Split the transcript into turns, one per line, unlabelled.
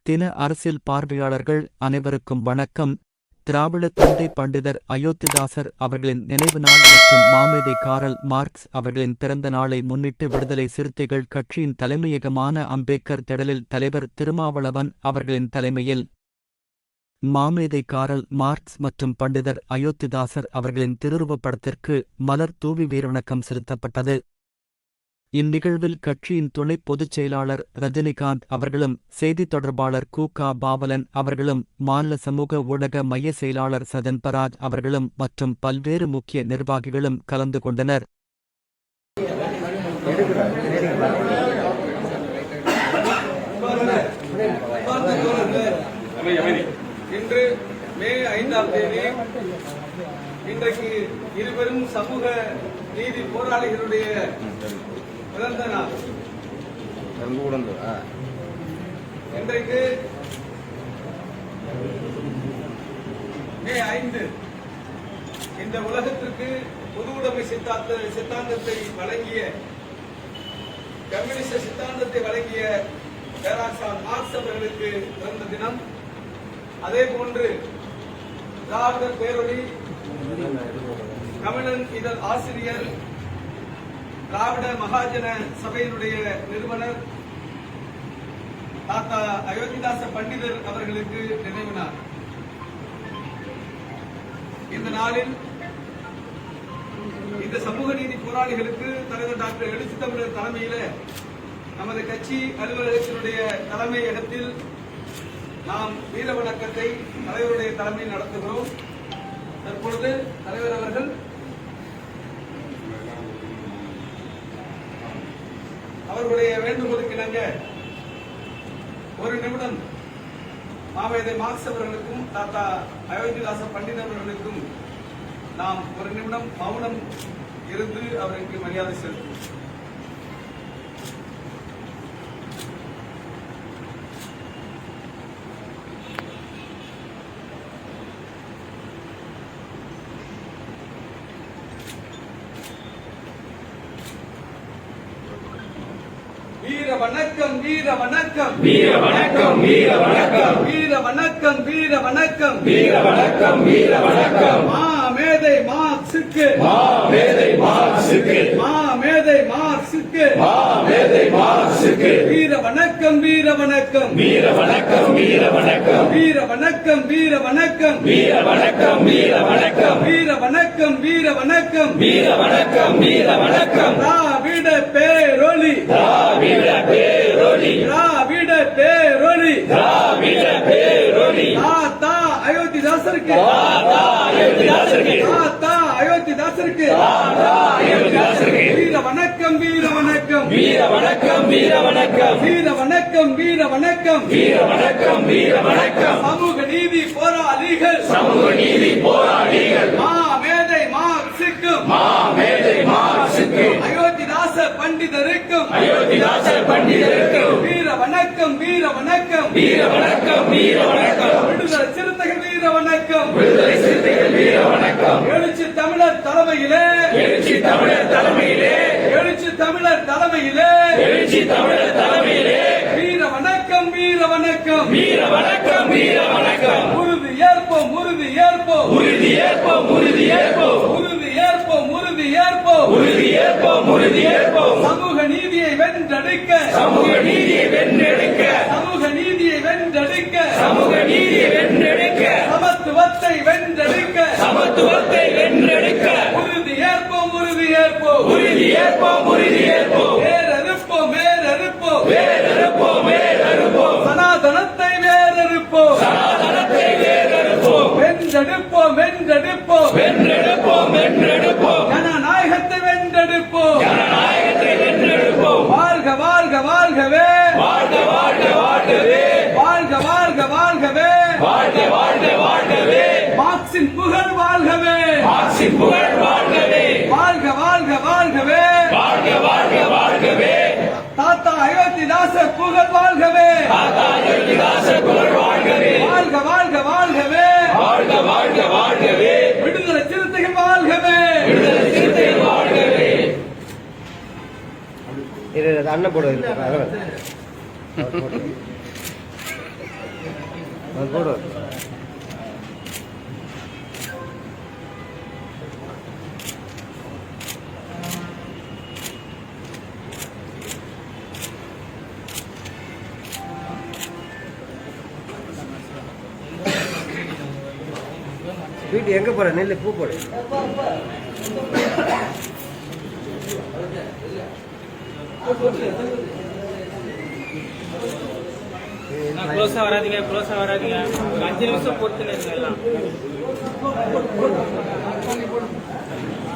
தின அரசியல் பார்வையாளர்கள் அனைவருக்கும் வணக்கம். திராவிட தந்தை பண்டிதர் அயோத்திதாசர் அவர்களின் நினைவு நாள் மற்றும் மாமேதை காரல் மார்க்ஸ் அவர்களின் பிறந்த நாளை முன்னிட்டு விடுதலை சிறுத்தைகள் கட்சியின் தலைமையகமான அம்பேத்கர் திடலில் தலைவர் திருமாவளவன் அவர்களின் தலைமையில் மாமேதை காரல் மார்க்ஸ் மற்றும் பண்டிதர் அயோத்திதாசர் அவர்களின் திருவுருவப்படத்திற்கு மலர் தூவி வீரவணக்கம் செலுத்தப்பட்டது. இந்நிகழ்வில் கட்சியின் துணை பொதுச் செயலாளர் ரஜினிகாந்த் அவர்களும் செய்தித் தொடர்பாளர் கு.க. பாவலன் அவர்களும் மாநில சமூக ஊடக மைய செயலாளர் சதன்பராஜ் அவர்களும் மற்றும் பல்வேறு முக்கிய நிர்வாகிகளும் கலந்து கொண்டனர்.
இன்று மே 5ஆம் தேதி இன்றைக்கு இருவரும் சமூக நீதி போராளிகளுடைய பிறந்த நாள். இன்றைக்கு மே 5 இந்த உலகத்திற்கு பொது உடைமை சித்தாந்தத்தை வழங்கிய கம்யூனிஸ்ட் சித்தாந்தத்தை வழங்கிய பேராசார் மார்க்ஸ் அவர்களுக்கு பிறந்த தினம். அதே போன்று திராவிடர் பேரொளி தமிழன் இதழ் ஆசிரியர் திராவிட மகாஜன சபையினுடைய நிறுவனர் தாத்தா அயோத்திதாச பண்டிதர் அவர்களுக்கு நினைவு நாள். இந்த நாளில் இந்த சமூக நீதி போராளிகளுக்கு தலைவர் டாக்டர் எழுச்சி தமிழர் தலைமையில நமது கட்சி அலுவலகத்தினுடைய தலைமையகத்தில் நாம் வீர வணக்கத்தை தலைவருடைய தலைமையில் நடத்துகிறோம். தற்பொழுது தலைவர் அவர்கள் அவர்களுடைய வேண்டுகோளுக்கு இணங்க ஒரு நிமிடம் மாமேதை மார்க்ஸ் அவர்களுக்கும் தாத்தா அயோத்திதாச பண்டிதர் அவர்களுக்கும் நாம் ஒரு நிமிடம் மௌனம் இருந்து அவருக்கு மரியாதை செலுத்துவோம். வீர வணக்கம் வீர வணக்கம் வீர வணக்கம் வீர வணக்கம் வீர வணக்கம் வீர வணக்கம் வீர வணக்கம் வீர வணக்கம் மாமேதை மார்க்ஸுக்கு மாமேதை மார்க்ஸுக்கு மாமேதை மார்க்ஸுக்கு மாமேதை மார்க்ஸுக்கு வீர வணக்கம் வீர வணக்கம் வீர வணக்கம் வீர வணக்கம் வீர வணக்கம் வீர வணக்கம் வீர வணக்கம் வீர வணக்கம் வீர வணக்கம் வீர வணக்கம் வீர வணக்கம் வீர வணக்கம் திராவிட பேரொளி திராவிட பேரொளி திராவிட பேரொளி திராவிட பேரொளி தாத்தா அயோத்திதாசருக்கு தாத்தா அயோத்திதாசருக்கு தாத்தா அயோத்திதாசருக்கு தாத்தா அயோத்திதாசருக்கு வீர வணக்கம் வீர வணக்கம் வீர வணக்கம் வீர வணக்கம் வீர வணக்கம் வீர வணக்கம் வீர வணக்கம் வீர வணக்கம் சமூக நீதி போராளிகள் சமூக நீதி போராளிகள் மாமேதை மார்க்ஸுக்கும் மாமேதை மார்க்ஸுக்கும் அயோத்திதாச பண்டிதருக்கும் அயோத்திதாச பண்டிதருக்கும் வீர வணக்கம் வீர வணக்கம் வீர வணக்கம் வீர வணக்கம் விடுதலை சிறுத்தைகள் வீர வணக்கம் விடுதலை சிறுத்தைகள் வீர வணக்கம் எழுச்சி தமிழர் தலைமையிலே எழுச்சி தமிழர் தலைமையிலே எழுச்சி தமிழர் தலைமையிலே எழுச்சி தமிழர் தலைமையிலே வீர வணக்கம் வீர வணக்கம் வீர வணக்கம் வீர வணக்கம் உறுதி ஏற்போம் உறுதி ஏற்போம் உறுதி ஏற்போம் உறுதி ஏற்போம் உறுதி ஏற்போம் உறுதி ஏற்போம் உறுதி ஏற்போம் உறுதி ஏற்போம் சமூக நீதியை வென்றெடுக்க சமூக நீதியை வென்றெடுக்க சமூக நீதியை வென்றெடுக்க சமூக நீதியை வென்றெடுக்க சமத்துவத்தை வென்றெடுக்க சமத்துவத்தை வென்றெடுக்க உறுதி ஏற்போம் உறுதி ஏற்போம் உறுதி ஏற்போம் உறுதி ஏற்போம் வேறறுப்போம் வேறறுப்போம் வேறறுப்போம் வேறறுப்போம் சனாதனத்தை வேறறுப்போம் சனாதனத்தை வேறறுப்போம் வென்றெடுப்போம் வென்றெடுப்போம் வென்றெடுப்போம் வென்றெடுப்போம் ஜனநாயகத்தை வென்றெடுப்போம் ஜனநாயகத்தை வென்றெடுப்போம் வாழ்க வாழ்க வாழ்கவே வாழ்க வாழ்க வாழ்கவே வாழ்க வாழ்க வாழ்கவே வாழ்க வாழ்க வாழ்கவே மார்க்சின் புகழ் வாழ்கவே மார்க்சின் புகழ் வாழ்கவே வாழ்க வாழ்க வாழ்கவே வாழ்க வாழ்க வாழ்கவே தாத்தா அயோத்திதாச புகழ் வாழ்கவே தாத்தா அயோத்திதாச புகழ் வாழ்கவே வாழ்க வாழ்க வாழ்கவே வாழ்க வாழ்க வாழ்கவே விடுதலை சிறுத்தைகள் வாழ்கவே விடுதலை சிறுத்தைகள் வாழ்கவே.
அண்ணன் போடுவது வீட்டு எங்க போற நெல்லு பூ போடு
க்ளோஸா வராதீங்க ஒரு 5 நிமிஷம் பொறுத்து எல்லாம்